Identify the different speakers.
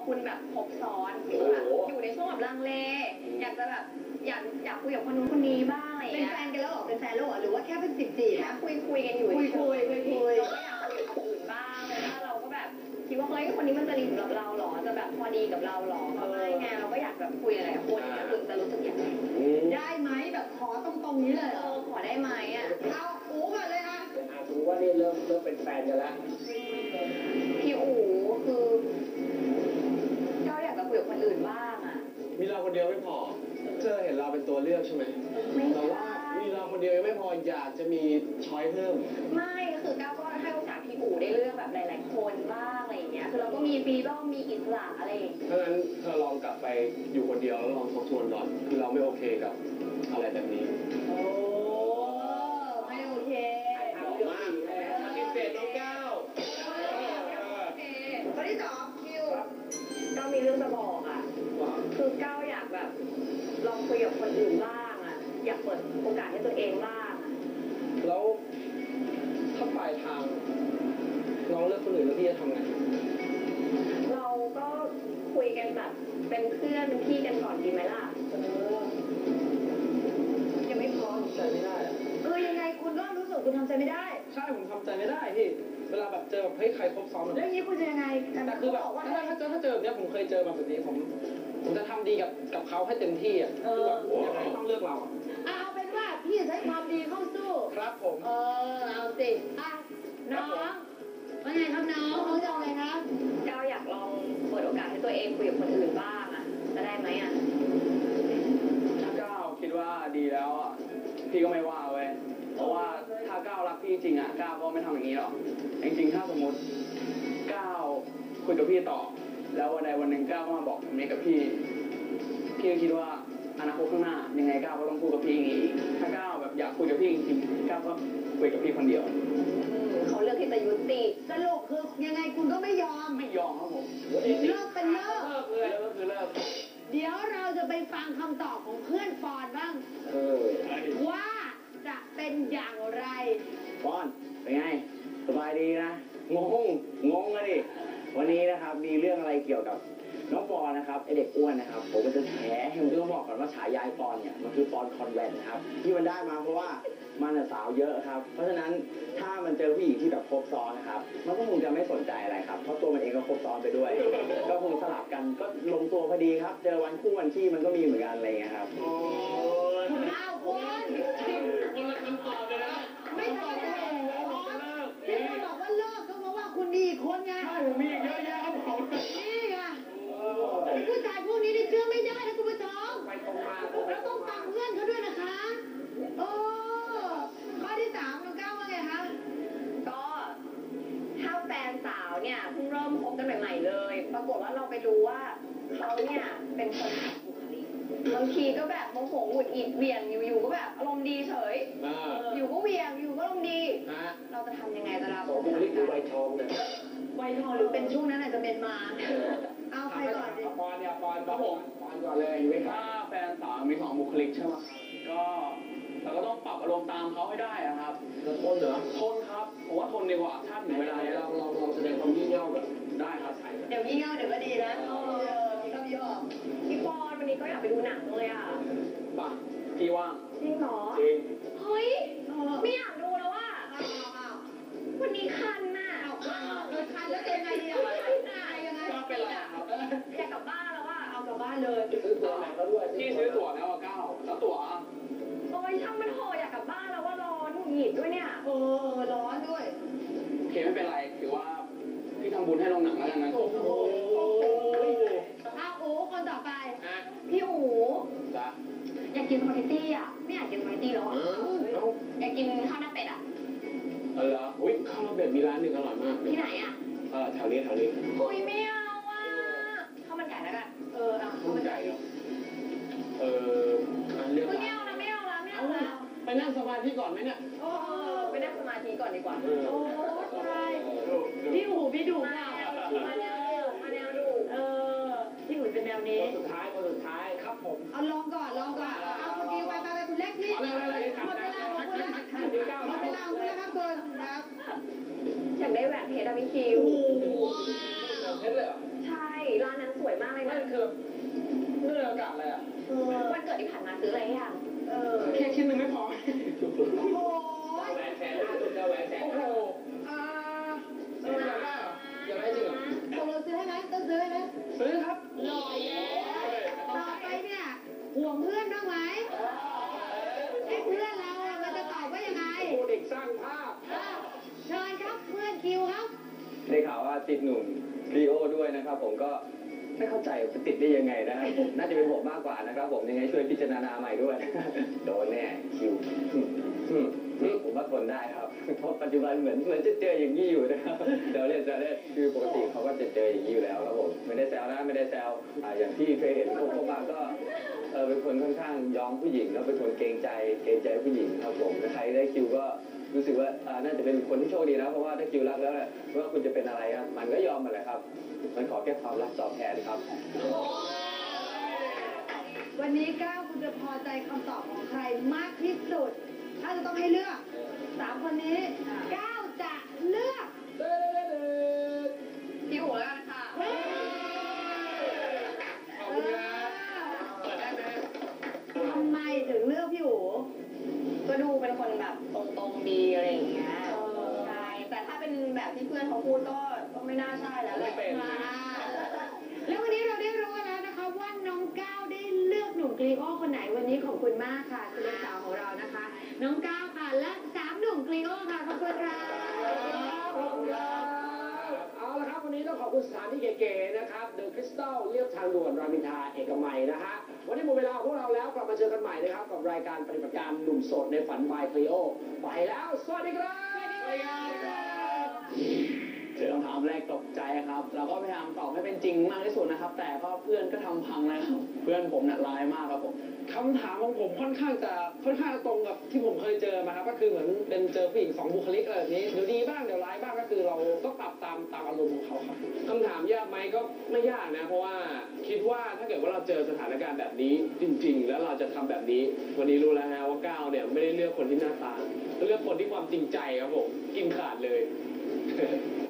Speaker 1: คุณแบบครบซ้อนแบบอยู่ในช่วงแบบลังเลอยากจะแบบอยากคุยกับคนนู้นคนนี้บ้างอะไรอย่างเงี้ยเป็นแฟนกันแล้วหรอเป็นแฟนแล้วหรอหรือว่าแค่เป็นจีบนะคุยกันอยู่คุยเราก็อยากคุยกับคนอื่นบ้างเลยถ้าเราก็แบบคิดว่าเฮ้ยคนนี้มันจะดีกับเราหรอจะแบบพอดีกับเราหรอไม่ไงเราก็อยากแบบคุยอะไรกับคนนี้คุณจะรู้สึกอย่างไรได้ไหมแบบขอตรงนี้เลยขอได้ไหมอ่ะเอาอู๋ก่อนเลยอ่ะ
Speaker 2: ถือว่านี่เริ่มเป็นแฟนกันแล้ว
Speaker 1: พี่อู๋คือก็อยากจะคุยกับคนอื่นบ้างอ่ะ
Speaker 2: มีเราคนเดียวไม่พอเธอเห็นเราเป็นตัวเลือกใช่ไหมเราว่ามีเราคนเดียวยังไม่พออยากจะมีช้อยเพิ่ม
Speaker 1: ไม่คือก้าวก็ให้โอกาสพี่อู๋ได้เลือกแบบหลายๆคนบ้างอะไรอย่างเงี้ยคือเราก็มีฟรีดอมมีอิสระอะไรอย่างเงี้ย
Speaker 2: ถ้างั้นเธอลองกลับไปอยู่คนเดียวแล้วลองทบทวนก่อนคือเราไม่โอเคกับอะไรแบบนี้
Speaker 1: โอ้ไม่โอเค
Speaker 2: มากปฏิเสธน้องก้าว
Speaker 1: ข้อที่2คิวก้าวมีเรื่องจะบอกอ่ะคือก้าวอยากแบบลองคุยกับคนอื่นบ้างอ่ะอยากเปิดโอกาสให้ตัวเองบ้าง
Speaker 2: แล้วถ้าปลายทางน้องเลือกคนอื่นแล้วพี่จะทำไง
Speaker 1: เราก็คุยกันแบบเป็นเพื่อนเป็นพี่กันก่อนดีไหมล่ะยังไม่พร้อม
Speaker 2: ใจไม่ได้อะ
Speaker 1: ยังไงคุณก็รู้สึกคุณทำใจไม่ได้
Speaker 2: ใช่ผมทำใจไม่ได้พี่เวลาแบบเจอแบบเฮ้ยใครครบซ้อน
Speaker 1: แล้วอย่างนี้คุณจะยังไง
Speaker 2: แต่คือแบบถ้าเจอแบบนี้ผมเคยเจอแบบนี้ผมจะทำดีกับเขาให้เต็มที่อ่ะคือแบบยังไงต้องเลือกเรา
Speaker 1: เอาเป็นว่าพี่จะใช้ความดีเข้าสู้
Speaker 2: ครับผม
Speaker 1: เอาสิน้องว่าไงครับน้องจะเอาอะไรครับก้าวอยากลองเปิดโอกาสให้ตัวเองคุยกับคนอื่นบ้างอ่ะจะได้ไหมอ่ะ
Speaker 2: ถ้าก้าวคิดว่าดีแล้วอ่ะพี่ก็ไม่ว่าเว้ยเพราะว่าถ้าก้าวรักพี่จริงอ่ะก้าวก็ไม่ทำอย่างนี้หรอกจริงๆถ้าสมมติก้าวคุยกับพี่ต่อแล้ววันใดวันหนึ่งก้าวมาบอกแบบนี้กับพี่ก็คิดว่าอนาคตข้างหน้ายังไงก้าวก็ต้องพูดกับพี่อย่างนี้ถ้าก้าวแบบอยากคุยกับพี่จริงๆก้าวก็คุยกับพี่คนเดียว
Speaker 1: เขาเลือกที่จะยุติสรุปคือยังไงคุณก็ไม่ยอม
Speaker 2: ครับผม
Speaker 1: เลิกเป็นเลิก
Speaker 2: เลยก็คือเลิก
Speaker 1: เดี๋ยวเราจะไปฟังคำตอบของเพื่อนฟอนบ้างว่าจะเป็นอย่างไร
Speaker 3: ฟอนเป็นไงสบายดีนะงกันดิวันนี้นะครับมีเรื่องอะไรเกี่ยวกับน้องปอนนะครับไอเด็กอ้วนนะครับผมจะแฉให้ผมต้องบอกก่อนว่าฉายาปอนเนี่ยมันคือปอนคอนแวนต์นะครับที่มันได้มาเพราะว่ามันสาวเยอะครับเพราะฉะนั้นถ้ามันเจอผู้หญิงที่แบบครบซ้อนนะครับมันก็คงจะไม่สนใจอะไรครับเพราะตัวมันเองก็ครบซ้อนไปด้วยก็คงสลับกันก็ลงตัวพอดีครับเจอวันคู่วันขี้มันก็มีเหมือนกันอะไรเงี้ยครับ
Speaker 1: คุณคนละคำตอบเลยนะไม่ใช่ที่คุณบอกว่าเลิกก็เพราะว่าคุณดีคนไง
Speaker 2: ใช่ผมมีเยอะแยะครับผม
Speaker 1: นี่ไงผู้ชายพวกนี้เชื่อไม่ได้นะคุณผู้ชมเราต้องฟังเพื่อนเขาด้วยนะคะข้อที่3น้องก้าวว่าไงคะก็ถ้าแฟนสาวเนี่ยเพิ่งเริ่มคบกันใหม่ๆเลยปรากฏว่าเราไปรู้ว่าเขาเนี่ยเป็นคนบุคลิกบางทีก็แบบโมโหหงุดหงิดเวียงอยู่ก็แบบอารมณ์ดีเฉยอยู่ก็เวียงอยู่ก็อารมณ์ดีเราจะทำยังไงจะรับ
Speaker 2: บุคลิกคือใบทองเนี่ย
Speaker 1: ใบทองหรือเป็นช่วงนั้นอาจจะเป็นมาเอาใครก่อนดิ
Speaker 2: ปอนครับผมปอนก่อนเลยถ้าแฟนสาวมี2บุคลิกใช่ไหมก็เราก็ต้องปรับอารมณ์ตามเขาให้ได้ครับทนเหรอทนครับผมว่าทนดีกว่าถ้าถึงเวลาเราแสดงความยิ่งเง่าแบบได้ครับ
Speaker 1: เดี๋ยวยิ่งเง่าเดี๋ยวก็ดีนะมีก็มีออกพี่ปอนวันนี้ก็อยากไปดูหนังเลยอ่ะ
Speaker 2: ป่ะพี่ว่าง
Speaker 1: จริงเหรอ
Speaker 2: จริง
Speaker 1: เฮ้ยไม่อยากดูแล้วอ่ะวันนี้คันน่ะคันแล้วเป็นไงดีอ่ะยังไง
Speaker 2: ก็เป็นไรครับ
Speaker 1: อยากกลับบ้านแล้วอ่ะเอากลับบ้านเลย
Speaker 2: ซื้อตั๋วหนังแล้วด้วยพี่ซื้อตั๋วแล้วก้าวแล้วตั๋ว
Speaker 1: โอ้ยช่างมันโหอยากกลับบ้านแล้วว่าร้อนหงุดหงิดด้วยเนี่ยร้อนด้วย
Speaker 2: โอเคไม่เป็นไรถือว่าพี่ทำบุญให้โรงหนังแล้วกันนะ
Speaker 1: โอ้โหอู๋คนต่อไปพี่อู๋
Speaker 2: จ้ะ
Speaker 1: อยากกินสปาเกตตี้อ่ะไม่อยากกินสปาเกตตี้แล้วอ่ะอยากกินข้าวหน้าเป็ดอ่ะ
Speaker 2: เหรออุ้ยข้าวหน้าเป็ดมีร้านหนึ่งอร่อยมาก
Speaker 1: ที่ไหนอ่ะ
Speaker 2: แถวนี้
Speaker 1: คุยไม่เอาอ่ะข้าวมันไก่แล้วกัน
Speaker 2: ข้าวมันไก่เหรอเรื่อง
Speaker 1: ไม่เอานะ
Speaker 2: ไปนั่งสมาธิก่อนไหมเนี่ย
Speaker 1: ไปนั่งสมาธิก่อนดีกว่าใช่พี่หูพี่ดุมาแนวดุพี่หูเป็นแนวนี้
Speaker 2: คนสุดท้ายครับผม
Speaker 1: เอาลองก่อนเอาเมื่อกี้ไปคุณเล็กนี่หมดเวลาของคุณแล้วหมดเวลาของคุณแล้วครับคุณครับอยากได้แหวนเพชรอะพี่คิว
Speaker 2: เพชรเลยเหรอ
Speaker 1: ใช่ร้านนั้นสวยมากเลย
Speaker 2: นั่
Speaker 1: นะ
Speaker 2: นคือเรื่องอากาศอะไรอ่ะ
Speaker 1: วันเกิดที่ผ่านมาซื้ออะไรให้ยัง
Speaker 2: แค่ชิ้นหนึ่งไม่พอ
Speaker 1: โอ้โห
Speaker 3: แหวนแสนห้าจุดเดียวแหวนแสน
Speaker 2: โอ้โหอยากได้เหรออยากได้จริงเหรอ
Speaker 1: ตกลงซื้อให้ไหมต้องซื้อให้ไหม
Speaker 2: ซื้อครับ
Speaker 1: หน่อยต่อไปเนี่ยห่วงเพื่อนบ้างไหมไอ้เพื่อนเราอะมันจะตอบว่ายังไง
Speaker 2: โอ้เด็กสร้างภาพ
Speaker 1: เชิญครับเพื่อนคิวครับ
Speaker 3: ได้ข่าวว่าติดหนุ่มลีโอด้วยนะครับผมก็ไม่เข้าใจจะติดได้ยังไงนะครับน่าจะเป็นผมมากกว่านะครับผมยังไงช่วยพิจารณาใหม่ด้วย โดนแน่คิวผมว่าทนได้ครับเพราะปัจจุบันเหมือนจะเจออย่างนี้อยู่นะครับเดี๋ยวเล่นคือปกติเขาก็จะเจออย่างนี้อยู่แล้วครับผมไม่ได้แซวนะไม่ได้แซวอย่างที่เคยเห็นพวกเขามาก็เป็นคนค่อนข้างยอมผู้หญิงแล้วเป็นคนเกรงใจผู้หญิงครับผมใครได้คิวก็รู้สึกว่าน่าจะเป็นคนที่โชคดีนะเพราะว่าถ้าคิวรักแล้วเนี่ยไม่ว่าคุณจะเป็นอะไรครับมันก็ยอมมันแหละครับมันขอแค่ความรักตอบแทนครับ
Speaker 1: วันนี้ก้าวคุณจะพอใจคำตอบของใครมากที่สุด ถ้าจะต้องให้เลือก3 คนนี้ก้าวจะเลือกพี่อู๋แล้วกันค่ะ
Speaker 2: ขอบคุณครับเปิดได้ไหม
Speaker 1: ทำไมถึงเลือกพี่อู๋ก็ดูเป็นคนแบบตรงๆดีอะไรอย่างเงี้ยใช่แต่ถ้าเป็นแบบที่เพื่อนเขาพูดก็ไม่น่าใช่แล้วแหละแล้ววันนี้เราได้รู้แล้วนะคะว่าน้องก้าวได้เลือกหนุ่มกรีโอคนไหนวันนี้ขอบคุณมากค่ะคุณลูกสาวของเรานะคะน้องก้าวค่ะและ3 หนุ่มกรีโอค่ะขอบคุณค่ะ
Speaker 4: ขอบคุณครับเอาละครับวันนี้ต้องขอบคุณสถานที่เก๋ๆนะครับเดอะคริสตัลเรียบทางด่วนรามอินทราเอกมัยนะฮะวันนี้หมดเวลาของพวกเราแล้วกลับมาเจอกันใหม่นะครับกับรายการปฏิบัติการหนุ่มโสดในฝันบายคลีโอไปแล้วสวัสดีครับ
Speaker 2: เจอคำถามแรกตกใจครับ เราก็พยายามตอบให้เป็นจริงมากที่สุดนะครับ แต่ก็เพื่อนก็ทำพังเลยครับ เพื่อนผมน่ะร้ายมากครับผมคำถามของผมค่อนข้างจะตรงกับที่ผมเคยเจอมาครับ ก็คือเหมือนเป็นเจอผู้หญิง2 บุคลิกอะไรแบบนี้ เดี๋ยวดีบ้างเดี๋ยวร้ายบ้างก็คือเราก็ปรับตามอารมณ์ของเขาครับ
Speaker 4: คำถามยากไหมก็ไม่ยากนะ เพราะว่าคิดว่าถ้าเกิดว่าเราเจอสถานการณ์แบบนี้จริง ๆ แล้วเราจะทำแบบนี้ วันนี้รู้แล้วนะว่าก้าวเนี่ยไม่ได้เลือกคนที่หน้าตาเลือกคนที่ความจริงใจครับผมกินขาดเลย